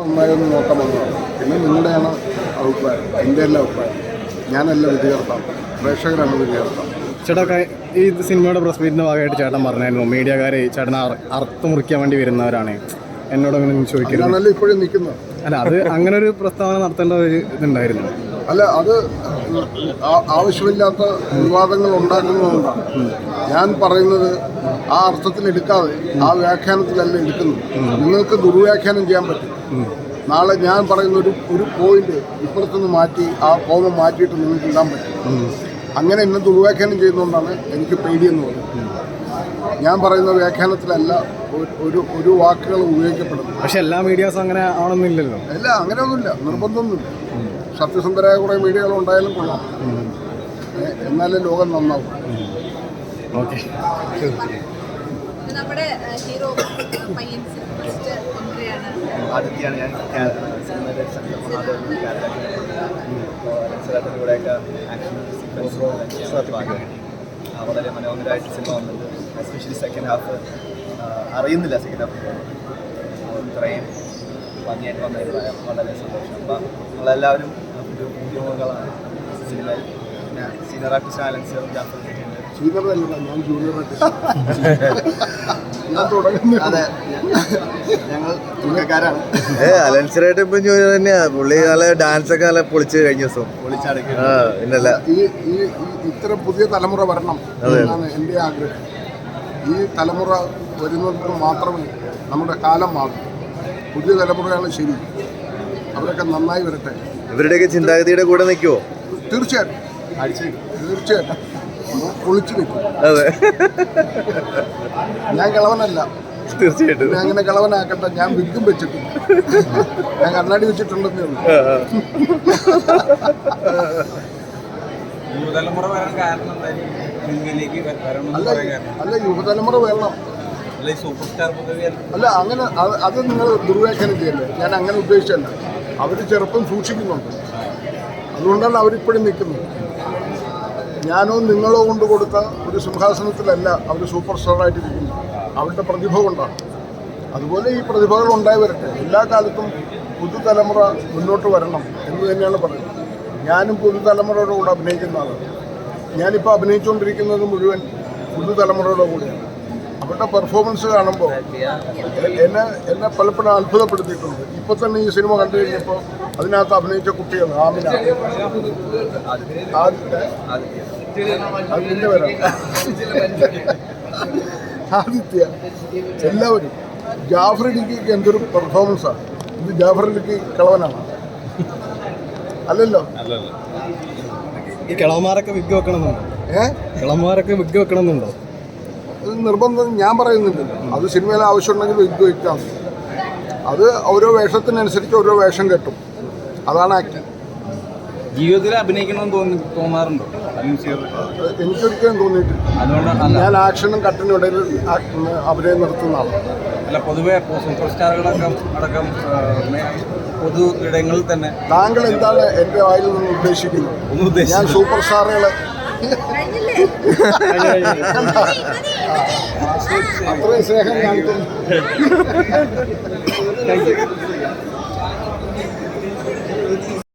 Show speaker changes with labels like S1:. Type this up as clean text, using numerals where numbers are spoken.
S1: നന്നായൊന്ന് നോക്കാൻ വന്നതാണ്. പിന്നെ നിങ്ങളുടെയാണ് അഭിപ്രായം, എൻ്റെ എല്ലാ അഭിപ്രായം. ഞാനല്ല വിധികർത്താവ്, പ്രേക്ഷകരാണ് വിധികർത്താവ്.
S2: ചേട്ടാ, ഈ സിനിമയുടെ പ്രസ് മീറ്റിൻ്റെ ഭാഗമായിട്ട് ചേട്ടൻ പറഞ്ഞായിരുന്നു മീഡിയക്കാരെ ചേട്ടനെ അറുത്ത് മുറിക്കാൻ വേണ്ടി വരുന്നവരാണ്. എന്നോട് അങ്ങനെ ചോദിക്കരുത്.
S1: ഞാനല്ല ഇപ്പോഴും നിൽക്കുന്നത്.
S2: അല്ല, അത് അങ്ങനെ ഒരു പ്രസ്താവന നടത്തേണ്ട ഒരു ഇതുണ്ടായിരുന്നു.
S1: അല്ല, അത് ആവശ്യമില്ലാത്ത വിവാദങ്ങൾ ഉണ്ടാക്കുന്നതുകൊണ്ടാണ്. ഞാൻ പറയുന്നത് ആ അർത്ഥത്തിൽ എടുക്കാതെ ആ വ്യാഖ്യാനത്തിലല്ല എടുക്കുന്നത്. നിങ്ങൾക്ക് ദുർവ്യാഖ്യാനം ചെയ്യാൻ പറ്റും. നാളെ ഞാൻ പറയുന്ന ഒരു പോയിന്റ് ഇപ്പുറത്തുനിന്ന് മാറ്റി ആ കോമം മാറ്റിയിട്ട് നിങ്ങൾക്ക് ഇടാൻ പറ്റും. അങ്ങനെ എന്നെ ദുർവ്യാഖ്യാനം ചെയ്യുന്നതുകൊണ്ടാണ് എനിക്ക് പേടിയെന്ന് പറയുന്നത്. ഞാൻ പറയുന്ന വ്യാഖ്യാനത്തിലല്ല ഒരു വാക്കുകൾ ഉപയോഗിക്കപ്പെടുന്നത്.
S2: പക്ഷെ എല്ലാ മീഡിയാസും അങ്ങനെ ആവണമെന്നില്ലല്ലോ.
S1: അല്ല, അങ്ങനെയൊന്നുമില്ല, നിർബന്ധമൊന്നുമില്ല. സത്യസന്ധരായ കുറേ മീഡിയകൾ ഉണ്ടായാലും കൊള്ളാം, എന്നാലേ ലോകം നന്നാവും.
S2: ഓക്കെ.
S3: നമ്മുടെ ഹീറോ പയ്യൻസ് ഫസ്റ്റ് എൻട്രിയാണ്.
S4: ആദ്യത്തെയാണ് ഞാൻ കൂടെയൊക്കെ ആക്ഷൻ വളരെ മനോഹരമായിട്ട് സിനിമ വന്നത്. എസ്പെഷ്യലി സെക്കൻഡ് ഹാഫ് അറിയുന്നില്ല. സെക്കൻഡ് ഹാഫ് ഇത്രയും ഭംഗിയായിട്ട് വന്നതിൽ വളരെ സന്തോഷം. അപ്പം നമ്മളെല്ലാവരും ഒരു ഉദ്യോഗങ്ങളാണ് സിനിമയിൽ. പിന്നെ സീനിയർ ആർട്ടിസ്റ്റ് ആലൻസ് ജാഫർ
S1: ഞാൻ ജൂനിയർ ആർട്ടിസ്റ്റ്.
S4: അതെ, ഞങ്ങൾ തുണക്കാരാണ്.
S5: അലൻസറായിട്ട് ഇപ്പം ജോലി തന്നെയാ. പുള്ളി നല്ല ഡാൻസ് ഒക്കെ നല്ല പൊളിച്ച് കഴിഞ്ഞ ദിവസം
S4: പൊളിച്ചടക്കി.
S5: പിന്നല്ല,
S1: ഈ ഇത്തരം പുതിയ തലമുറ വരണം എന്നാണ് എൻ്റെ ആഗ്രഹം. ഈ തലമുറ വരുന്നതിന് മാത്രമേ നമ്മുടെ കാലം മാറും. പുതിയ തലമുറയാണ് ശരി, അവരൊക്കെ നന്നായി വരട്ടെ.
S5: ഇവരുടെയൊക്കെ ചിന്താഗതിയുടെ കൂടെ നിൽക്കുമോ?
S1: തീർച്ചയായിട്ടും, തീർച്ചയായിട്ടും പൊളിച്ചു നിൽക്കും.
S5: അതെ,
S1: ഞാൻ കിളവനല്ല,
S5: തീർച്ചയായിട്ടും.
S1: ഞാൻ അങ്ങനെ കിളവനാക്കട്ടെ. ഞാൻ വിഗും വെച്ചിട്ടുണ്ട്, ഞാൻ കണ്ണാടി വെച്ചിട്ടുണ്ടെന്നേ ഉള്ളൂ. അല്ല, യുവതലമുറ വരണം. അല്ല, അങ്ങനെ അത് നിങ്ങൾ ദുർവ്യാഖ്യാനം ചെയ്യല്ലേ. ഞാൻ അങ്ങനെ ഉദ്ദേശിച്ചല്ല. അവർ ചെറുപ്പം സൂക്ഷിക്കുന്നുണ്ട്, അതുകൊണ്ടാണ് അവരിപ്പോഴും നിൽക്കുന്നത്. ഞാനോ നിങ്ങളോ കൊണ്ട് കൊടുത്ത ഒരു സിംഹാസനത്തിലല്ല അവർ സൂപ്പർ സ്റ്റാറായിട്ട് ഇരിക്കുന്നത്, അവരുടെ പ്രതിഭ കൊണ്ടാണ്. അതുപോലെ ഈ പ്രതിഭകൾ ഉണ്ടായി വരട്ടെ. എല്ലാ കാലത്തും പുതുതലമുറ മുന്നോട്ട് വരണം എന്ന് തന്നെയാണ് പറയുന്നത്. ഞാനും പുതുതലമുറയുടെ കൂടെ അഭിനയിക്കുന്ന ആളാണ്. ഞാനിപ്പോൾ അഭിനയിച്ചുകൊണ്ടിരിക്കുന്നത് മുഴുവൻ പുതുതലമുറയുടെ കൂടെയാണ്. അവരുടെ പെർഫോമൻസ് കാണുമ്പോൾ എന്നെ പലപ്പോഴും അത്ഭുതപ്പെടുത്തിയിട്ടുണ്ട്. ഇപ്പോൾ തന്നെ ഈ സിനിമ കണ്ടു കഴിഞ്ഞപ്പോൾ അതിനകത്ത് അഭിനയിച്ച കുട്ടികൾ ആമിന, അതിൻ്റെ പേരാണ് ആദിത്യ, എല്ലാവരും. ജാഫർ ഇടുക്കിക്ക് എന്തൊരു പെർഫോമൻസാണ്. ഇത് ജാഫർ ഇടുക്കി കിളവനാണ്, അല്ലല്ലോ.
S2: ഈ കിളവന്മാരൊക്കെ വിഗ് വെക്കണമെന്നുണ്ടോ? കിളവന്മാരൊക്കെ വിഗ് വെക്കണമെന്നുണ്ടോ?
S1: അത് നിർബന്ധം ഞാൻ പറയുന്നില്ലല്ലോ. അത് സിനിമയിൽ ആവശ്യമുണ്ടെങ്കിൽ വിഗ് വയ്ക്കാം. അത് ഓരോ വേഷത്തിനനുസരിച്ച് ഓരോ വേഷം കെട്ടും, അതാണ് ആക്ടിങ്.
S4: ജീവിതത്തിൽ അഭിനയിക്കണമെന്ന് തോന്നാറുണ്ടോ?
S1: എനിക്കൊരിക്കലും തോന്നിയിട്ടില്ല. ഞാൻ ആക്ഷനും കട്ടിനും ഇടയിൽ അഭിനയം നിർത്തുന്ന ആളാണ്.
S4: അല്ല, പൊതുവെ സൂപ്പർ സ്റ്റാറുകളൊക്കെ അടക്കം പൊതു ഇടങ്ങളിൽ തന്നെ
S1: താങ്കൾ എന്താണ് എൻ്റെ വായിൽ നിന്ന് ഉദ്ദേശിക്കുന്നത്? ഞാൻ സൂപ്പർ സ്റ്റാറുകളെ അത്രയും സ്നേഹം കാണിക്കുന്നു.